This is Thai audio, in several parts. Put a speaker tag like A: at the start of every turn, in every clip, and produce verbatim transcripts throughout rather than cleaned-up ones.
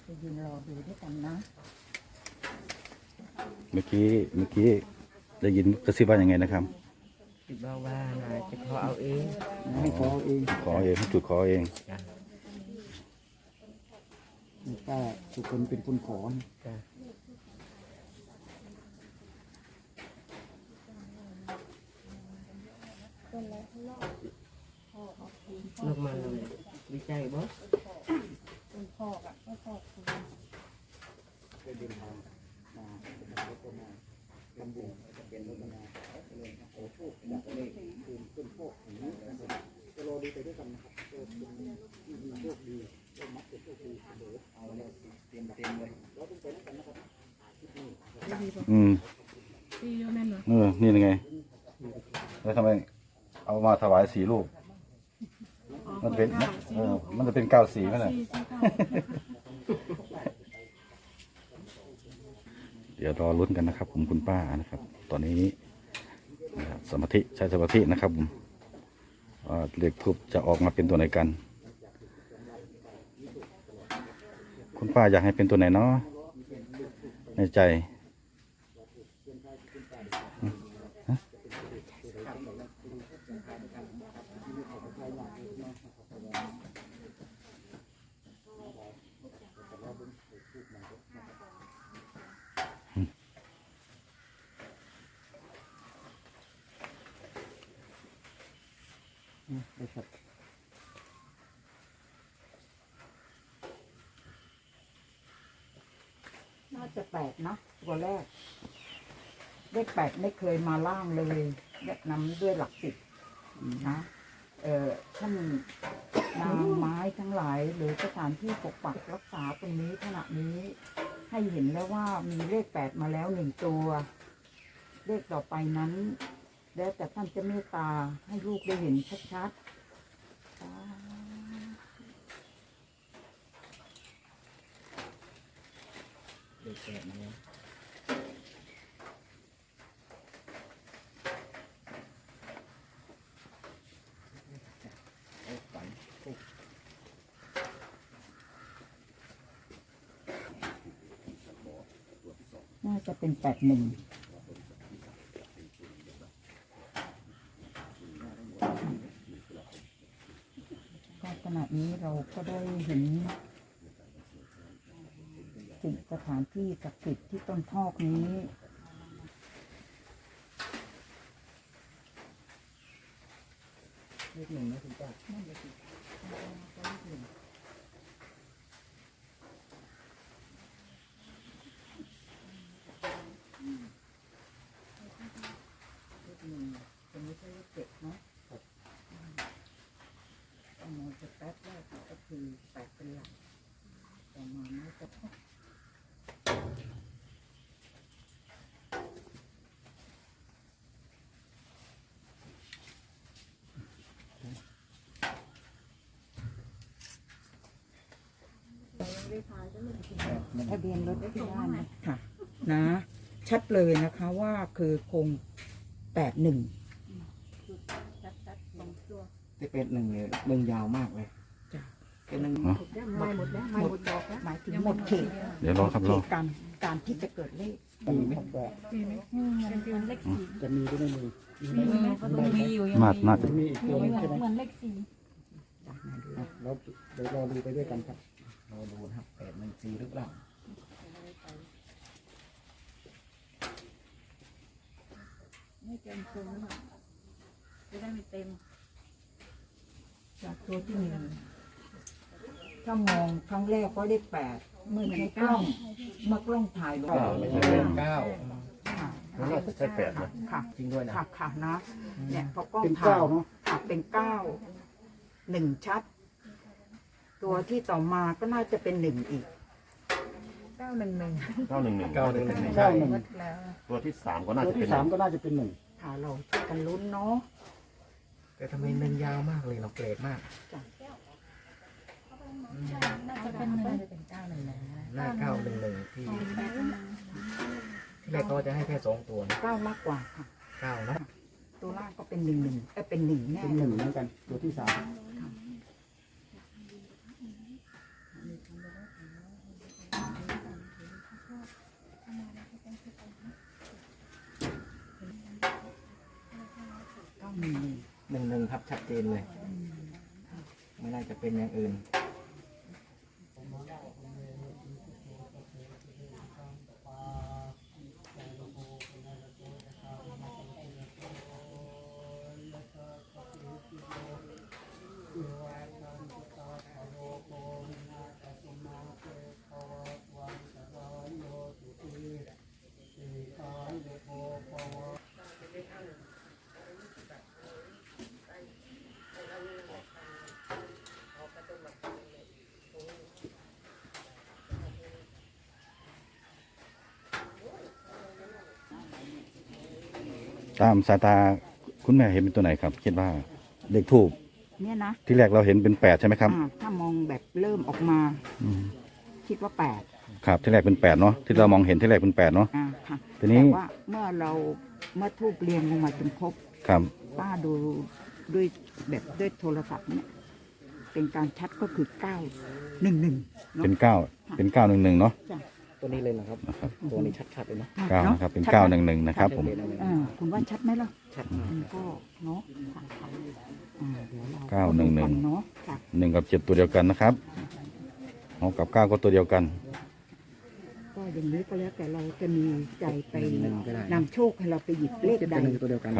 A: จะยืนรอดูด้วยกันนะ
B: เมื่อกี้เมื่อกี้ได้ยินกระซิบว่าอย่างไงนะครับ
C: คิดว่าว่านาจะขอเอาเอง
A: ให้ขอเอง
B: ขอเองให้จุดขอเอง
C: จ้ะ
A: ป้าสุคนเป็นคนขอ
C: จ้ะลงมาเลยดีใจบ่คุณพ่อกับพ่อพ่อคุณเป็นดินทางมาเป็นรถมาเป็นบุญเป็นรถมาเป็นโอ้โหจากเลขคืนขึ้นโชคอย่างนี้จะรอดูไปด้วยกันนะครับโชคดีมีโชคดีโชคมักจะโชคดีเดี๋ยวเอาเลยเตรียมเตรียมเลยเราต้องไปด้วยกันนะครับ
B: อืม
D: ซีโอแม่นเหรอ
B: เออนี่ยังไงแล้วทำไมเอามาถวายสีลูกมันเป็นเออมันจะเป็นเก้าสีไหมล่ะ
D: ซีซีเก้า
B: เดี๋ยวรอลุ้นกันนะครับผมคุณป้านะครับ ตอนนี้นะครับสมาธิใช้สมาธินะครับผมว่าเลขทูปจะออกมาเป็นตัวไหนกัน คุณป้าอยากให้เป็นตัวไหนเนาะในใจ
A: น่าจะแปดนะตัวแรกเลขแปดไม่เคยมาล่างเลยแนะนำด้วยหลักสิบนะเอ่อท่านนางไม้ทั้งหลายหรือสถานที่ปกปักรักษาตรงนี้ขณะนี้ ให้เห็นแล้วว่ามีเลขแปดมาแล้วหนึ่งตัว เลขต่อไปนั้น แล้วแต่ท่านจะเมตตาให้ลูกได้เห็นชัดๆ
C: เด็กแก่มาแล้ว
A: น่าจะเป็นแปดหนึ่งก็ขณะนี้เราก็ได้เห็นสิ่งสถานที่ศักดิ์สิทธิ์ที่ต้นทอกนี้เลขหนึ่งนะคุณป้านั่นเลยสิเลขหนึ่งจะไม่ใช่เลขเจ็ดเนาะเอามองจะแป๊บแรกก็คือแปดเป็นหลักต่อมาไม่จะพอทะเบียนรถที่บ้านค่ะนะ ชัดเลยนะคะว่าคือคงแปดหนึ่ง
C: ที่เป็นหนึ่งเนี่ยหนึ่งยาวมากเลย
A: จ้ะ
C: เป็นหนึ่ง
A: ไม่หมดแล้วไม่หมดดอกแล้วหมายถึงหมดเขต
B: เดี๋ยวรอครับรอ
A: การการที่จะเกิดเลข
C: มีไหม
D: มีไหมอืมมันเป็นเลขสี่
C: จะมีหรือไม่มี
D: มีไหมก็ต้องมีอยู่ยัง
B: น่า
D: มี
B: น่าจะ
C: มีอีกตัวนึงใช่ไหม
D: เหมือนเลขสี่
C: เราเดี๋ยวรอดูไปด้วยกันครับรอดูนะครับแปดหนึ่งสี่หรือเปล่า
D: ไม่เต็มตัวนะจะได้ไม่เต็ม
A: จากตัวที่หนึ่งถ้ามองครั้งแรกก็ได้แปดเมื่อใช้กล้องเมื่อกล้องถ่ายลง
C: ไม่ใช่เก้า
A: ค่ะ
C: น่าจะใช่แปดนะ
A: ค่ะ
C: จริงด้วยนะ
A: ค่ะค่ะนะเนี่ยพอกล้อง
C: เป็น
A: ถ่าย
C: เก้าเนอะ
A: ค่ะเป็นเก้าหนึ่งชัด ตัวที่ต่อมาก็น่าจะเป็นหนึ่งอีก
D: เก้าหนึ่งหนึ่ง
E: เก้าหนึ่งหนึ่ง
C: เก้าหนึ่งหนึ่ง
A: เก้าหนึ่ง
D: แล้ว
E: ตัวที่สามก็น่า
C: ตัว
E: จะเป็
C: ที่
E: น
C: สามก็น่าจะเป็นหนึ่ง
A: ค่ะเราช่วยกันลุ้นเนาะ
C: แต่ทำไมหนึ่งยาวมากเลยเราเกรดมาก
D: น่าจะเป็นน่าจะเป็นเก้าหนึ่งนะ
C: หน้าเก้าหนึ่งหนึ่งที่ที่แรกเขาจะให้แค่สองตัวนะ
A: เก้ามากกว่าค่ะ
C: เก้าเนาะ
A: ตัวล่างก็เป็นหนึ่งหนึ่งเอ้ยเป็นหนึ่งแน่
C: เป็นหนึ่งเหมือนกันตัวที่สาม
E: ครับชัดเจนเลย ไม่น่าจะเป็นอย่างอื่น
B: ตามสายตาคุณแม่เห็นเป็นตัวไหนครับ คิดว่าเลขทูบ
A: เนี่ยนะ
B: ที่แรกเราเห็นเป็นแปดใช่ไหมครับ
A: อ่าถ้ามองแบบเริ่มออกมา
B: อืม
A: คิดว่าแปด
B: ครับที่แรกเป็นแปดเนาะที่เรามองเห็นที่แรกเป็นแปดเนาะ
A: อ่าค่ะ
B: ทีนี้
A: แต่ว่าเมื่อเราเมื่อทูบเรียงลงมาจนครบ
B: ครับ
A: ป้าดูด้วยแบบด้วยโทรศัพท์เนี่ยเป็นการชัดก็คือเก้าหนึ่งหนึ่ง
B: เป็นเก้าเป็นเก้าหนึ่งหนึ่งเนาะ
A: จ้ะ
E: ตัวนี้เลยนะครับ
B: นะครับ
E: ตัวนี้ชัดๆเลยเนาะ
B: เก้านะครับเป็นเก้าหนึ่งหนึ่งนะครับผม
A: อ่าคุณว่าชัดไหมล่ะ
E: ชัดมาก
A: มันก็เนาะค่ะค่ะอ่าเดี๋ยวเรา
B: เก้าหนึ่งหนึ่ง
A: ดูกัเนาะค่ะ
B: หนึ่งกับเจ็ดตัวเดียวกันนะครับหกกับเก้าก็ตัวเดียวกัน
A: ก็อย่างนี้ก็แล้วแต่เราจะมีใจไป
E: หนึ่งก็ได้
A: นำโชคให้เราไปหยิบเลข
E: เจ็ด
A: ใด
E: กับหนึ่งตัวเดียวกัน
B: ครับ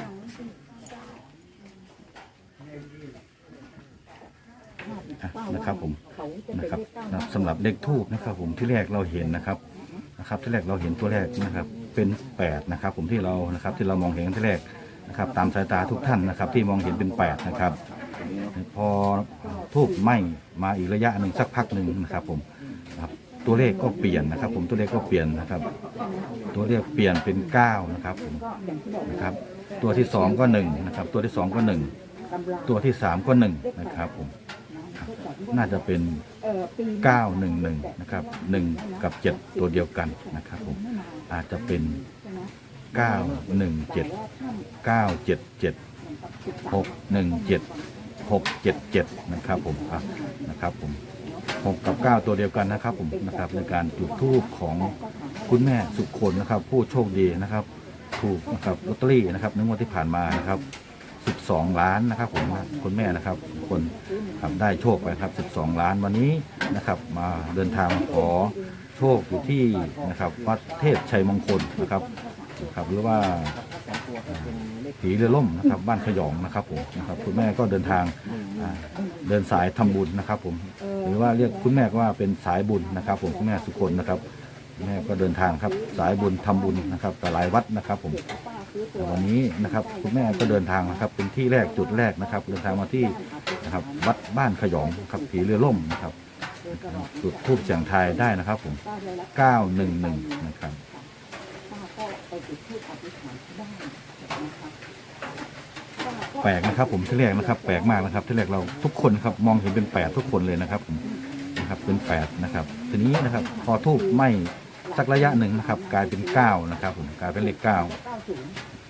B: อ่ะนะครับผม
A: เขาจะ
B: นะ
A: เป็น
B: ครับ
A: เลขเก้า
B: ครับสำหรับเลขทูบนะครับผมที่แรกเราเห็นนะครับนะครับ ที่แรกเราเห็นตัวแรกนะครับ เป็นแปดนะครับ ผมที่เรานะครับที่เรามองเห็นที่แรกนะครับ ตามสายตาทุกท่านนะครับ ที่มองเห็นเป็นแปดนะครับ พอทูบไหม้มาอีกระยะหนึ่งสักพักหนึ่งนะครับ ผมนะครับตัวเลขก็เปลี่ยนนะครับ ผมตัวเลขก็เปลี่ยนนะครับ ตัวเลขเปลี่ยนเป็นเก้านะครับผม
A: ก็อย่างที่บอก
B: นะครับ ตัวที่สองก็หนึ่งนะครับ ตัวที่สองก็หนึ่ง
A: กำลัง
B: ตัวที่สามก็หนึ่งนะครับผม น่าจะเป็น
A: เอ่อปี
B: เก้าหนึ่งหนึ่งนะครับหนึ่งกับเจ็ดตัวเดียวกันนะครับผมอาจจะเป็นเก้าหนึ่งเจ็ดเก้าเจ็ดเจ็ดหกหนึ่งเจ็ดหกเจ็ดเจ็ดนะครับผมอ่ะนะครับผมหกกับเก้าตัวเดียวกันนะครับผมนะครับในการจุดธูปของคุณแม่สุคนนะครับ ผู้โชคดีนะครับถูกนะครับลอตเตอรี่นะครับในงวดที่ผ่านมานะครับสิบสองล้านนะครับผมคุณแม่นะครับคนครับได้โชคไปครับสิบสองล้านวันนี้นะครับ มาเดินทางมาขอโชคอยู่ที่นะครับวัดเทพชัยมงคลนะครับครับหรือว่าผีเรือล่มนะครับ บ้านขยองนะครับผมนะครับคุณแม่ก็เดินทางอ่าเดินสายทำบุญนะครับ ผมหรือว่าเรียกคุณแม่ว่าเป็นสายบุญนะครับ ผมคุณแม่สุคนนะครับแม่ก็เดินทางครับสายบุญทำบุญนะครับกับหลายวัดนะครับ ผมแต่วันนี้นะครับคุณแม่ก็เดินทางนะครับ เป็นที่แรกจุดแรกนะครับ เดินทางมาที่นะครับวัดบ้านขยองครับผีเรือล่มนะครับจุดทูบเสียงทายได้นะครับ ผมเก้าหนึ่งหนึ่งนะครับ
A: ป้าก็ไปจุดธูปอธิษฐานที่บ้านนะคะป้าก็
B: แปลกนะครับ ผมที่แรกนะครับ แปลกมากนะครับ ที่แรกเราทุกคนครับมองเห็นเป็นแปดทุกคนเลยนะครับผมนะครับเป็นแปดนะครับ ทีนี้นะครับ พอทูบไหม้สักระยะหนึ่งนะครับ กลายเป็นเก้านะครับ ผมกลายเป็นเลขเก้า
A: เก้าศูนย์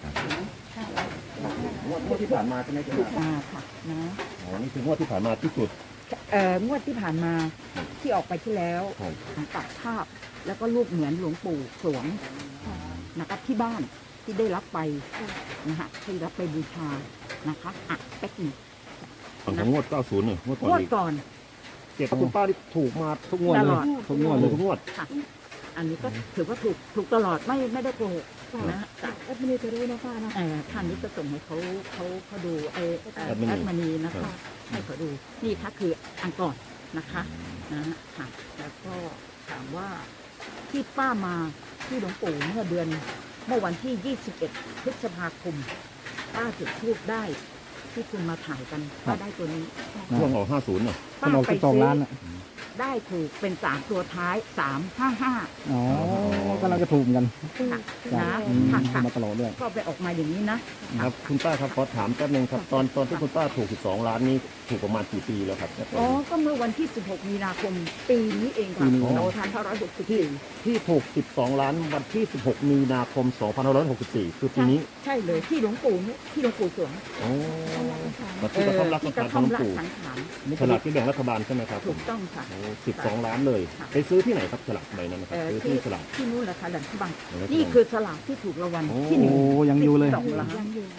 E: งวดงวดที่ผ่านมาใช่ไหมครับ
A: อ่าค่ะนะ
E: อ๋อนี่คืองวดที่ผ่านมาที่สุด
A: เอ่องวดที่ผ่านมาที่ออกไปที่แล้ว
E: ครับ
A: ตัดภาพแล้วก็รูปเหมือนหลวงปู่สวงนะครับที่บ้านที่ได้รับไปนะฮะที่รับไปบูชานะคะอ่ะแป๊กหนึง
F: ของงวดเก้าสิบเนี่ยงวดก่อน
A: งวด
F: อีก
A: ก่อน
F: เจ็ดคุณป้าที่ถูกมาทุกงวด
A: ต
F: เล
A: ล
F: ย
A: อด
F: ทุกงวดเลยทุกงวด
A: ค่ะ อันนี้ก็ถือว่าถูกถูกตลอดไม่ไม่ได้โกหกนะฮะจ้ะ
C: แอดมินจะรู้นะป้านะ
A: เอ่อท่านนี้ก็ส่งให้เขาเขาเขาดูไอเอ่อ
F: แอดมิน
A: แอดมินีนะ
F: ครั
A: คะ
F: บ
A: ให้เขาดูนี่ค่ะคืออันก่อนนะคะนะฮะค่ะแล้วก็ถามว่าที่ป้ามาที่หลวงปู่เมื่อเดือนเมื่อวันที่ ยี่สิบเอ็ด พฤษภาคมป้าจุดธูปได้ที่คุณมาถ่ายกันป้าได้ตัวนี้
F: ช่วงออกห้าศูนย์เนี่ย
A: ป้าไปซื้อได้ถูกเป็นสามตัวท้ายสามห้าห้า
G: อ๋อกำลังจะถูกเหมือนกัน
A: ค่ะ
G: จ้ะ
A: นะ
G: อืม
A: ค่ะ
G: ถูก
A: ค่ะ
G: มาตลอดด้วย
A: ก็ไปออกมาอย่างนี้นะ
F: ครับคุณป้าครับขอถามแป๊บนึงครับตอนตอนที่คุณป้าถูกสิบสองล้านนี้ถูกประมาณกี่ปีแล้วครับ
A: อ๋อ ก็เมื่อวันที่ สิบหก มีนาคม ปีนี้เองค่ะ
G: ปีนี้
A: สองพันห้าร้อยหกสิบสี่
F: ที่ถูกสิบสองล้านวันที่สิบหกมีนาคมสองพันห้าร้อยหกสิบสี่คือปีนี้
A: ใช่เลยที่หลวงปู่เนี่ยที่หลวงปู่สวง
F: โอ้มาที่กระท่อมรัก
A: ที่
F: สัง
A: ก
F: ขาร
A: ระ
F: ข
A: ท่
F: อ
A: อง ม
F: หลว
A: รั
F: ง
A: ก
F: ปู่
A: สังขาร
F: ฉลากที่แบ่งรัฐบาลใช่ไหมครับผ
A: ถู
F: ม
A: กต้องค่ะ
F: โอ้สิบสองล้านเลย
A: ค่ะ
F: ไปซื้อที่ไหนครับฉลากใบนั้นนะครับ
A: เอ่อ
F: ซื้อ
A: ที่
F: ที่ฉลาก
A: ที่นู่นแหละค่ะหลังที่บัง
F: หลังที่บัง
A: นี่คือสลากที่ถูกรางวัล
F: โอ้
A: ที่หนึ่ง
G: โอ้ยังอยู่เลย
A: สองล้าน
C: ยังอยู่
F: ส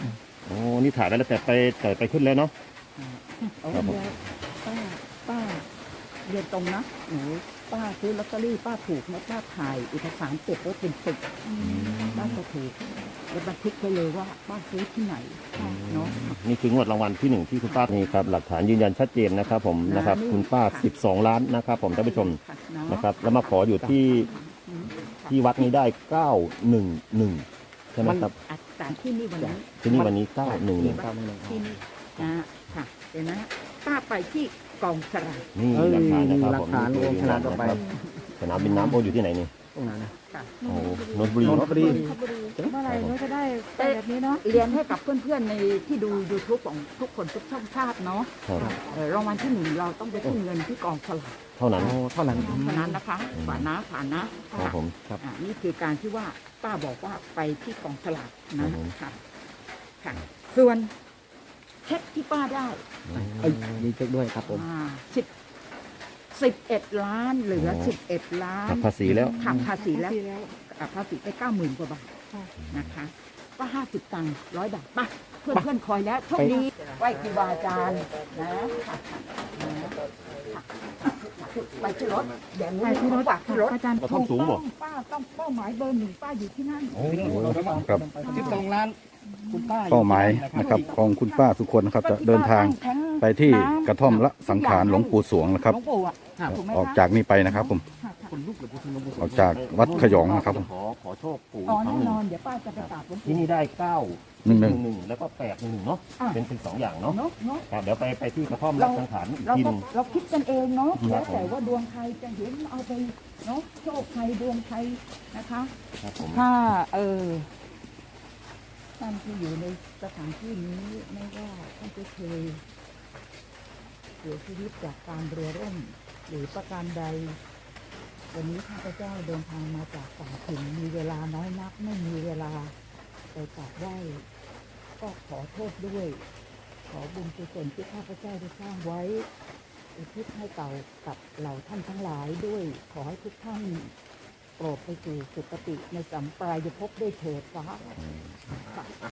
F: โอ้นี่ถ่ายได้แล้วแต่ไปแต่ไปขึ้นแล้วเนาะ
A: เอา
F: ครับผม
A: เดี๋ยวป้าป้าเรียนตรงนะหนูป้าซื้อลอตเตอรี่ป้าถูกนะป้าถ่ายเอกสารเก็บไว้เป็นปึกป้าจะถูกแล้วบันทึกไปเลยว่าป้าซื้อที่ไหนเนาะ
F: นี่คืองวดรางวัลที่หนึ่งที่คุณป้านี่ครับหลักฐานยืนยันชัดเจนนะครับผมนะครับคุณป้าสิบสองล้านนะครับผมท่านผู้ชม
A: ค่ะเนาะ
F: นะครับแล้วมาขออยู่ที่ที่วัดนี้ได้เก้าหนึ่งหนึ่งใช่ไหมครับ
A: อาจารย์ที่นี่วันนี้
F: ที่นี่วันนี้เก้าหนึ่งหนึ่ง
A: ที่นี่นะค่ะเดี๋ยวนะป้าไปที่กองสลาก
F: นี่
G: เอ้ย
F: หลักฐานนะครับ
G: หลั
F: ผ
G: ก
F: ม
G: ฐาน
F: นี่
G: โอ
F: คือ
G: ขนาดต่อไป
F: สนามบินน้ำโออยู่ที่ไหนนี่
G: ตรงนั้นนะ
A: ค่ะ
F: โอ้นนทบุรี
G: นนทบุรี
D: เมื่อไหร่เราจะได้ไปแบบนี้เนาะ
A: เรียนให้กับเพื่อนๆในที่ดู ยูทูบ ของทุกคนทุกช่องชาติเนาะ
F: ครับ
A: เอ่อรางวัลที่หนึ่งเราต้องไปขึ้นเงินที่กองสลาก
F: เท่านั้น
G: โอ้เท่านั้น
A: เท่านั้นนะคะฝานะฝานะครับ
F: ผม
A: อ่านี่คือการที่ว่าป้าบอกว่าไปที่กองสลากนะครับ
F: ผม
A: ค่ะค่ะ ส่วนเช็คที่ป้าได้
G: เอ้ยมีเช็คด้วยครับผม
A: อ่าสิบสิบเอ็ดล้านเหลือสิบเอ็ดล้าน
F: หักภาษีแล้ว
A: หักภาษีแล้ว
D: ปีแล้ว
A: อ่ะภาษีไปเก้าหมื่นกว่าบาท
D: ค่ะ
A: นะคะ ก็ห้าสิบตังค์ร้อยบาทป่ะเพื่อนเพื่อนๆคอยแล้วโชคดีไหว้ครูบาอาจารย์นะค่ะนะไปที่รถอย่างนี้
D: ไปที่รถ
A: ฝากที่รถ
D: อาจารย์
F: กระท่อมสูงบ่
A: ป้าต้องเป้าหมายเบอร์หนึ่งป้าอยู่ที่นั่น
B: ครับ
G: สิบสองล้านคุณป้า
B: เป้าหมายนะครับของคุณป้าสุคนนะครับจะเดินทางไปที่กระท่อมละสังขารหลวงปู่สวงนะครับ
A: หลวงปู่อ่ะถูกไหมคะ
B: ออกจากนี้ไปนะครับผม
A: ค่ะค่ะ
G: คนลุกเลยพูดถึงหลวงปู่
B: ออกจากวัดขยองนะครับผม
F: ขอขอโชคปู่
A: อ๋อ
F: ครั้
A: แน่
F: งหนึ่
A: น
F: ง
A: อนเดี๋ยวป้าจะไปกราบหลวง
F: ที่
A: ปู่
F: นี่ได้เก้า
B: หนึ่งหนึ่ง
F: หนึ่งแล้วก็แปดหนึ่งหนึ่งเนาะ
A: อ่ะ
F: เป็นเป็นสองอย่างเนาะ
A: เนาะเนาะ
F: ครับเดี๋ยวไปไปที่กระท่อมรักสังขารอีก
A: เรา
F: ทีห
A: ก็
F: นึง
A: เราคิดกันเองเนาะ
F: ครั
A: แล้
F: บ
A: วแต่ว่าดวงใครจะเห็นเอาไปเนาะโชคใครดวงใครนะคะ
F: ครับผม
A: ถ้าเออท่านที่อยู่ในสถานที่นี้ไม่ว่าท่านจะเคยเสียชีวิตจากการเรือร่มหรือประการใด วันนี้ข้าพเจ้าเดินทางมาจากต่างถิ่นมีเวลาน้อยนักไม่มีเวลาไปกราบไหว้ก็ขอโทษด้วย ขอบุญกุศลที่ข้าพเจ้าได้สร้างไว้อุทิศให้เก่ากับเหล่าท่านทั้งหลายด้วย ขอให้ทุกท่านโปรดไปสู่สุคติในสัมปรายภพด้วยเถิดฟ้า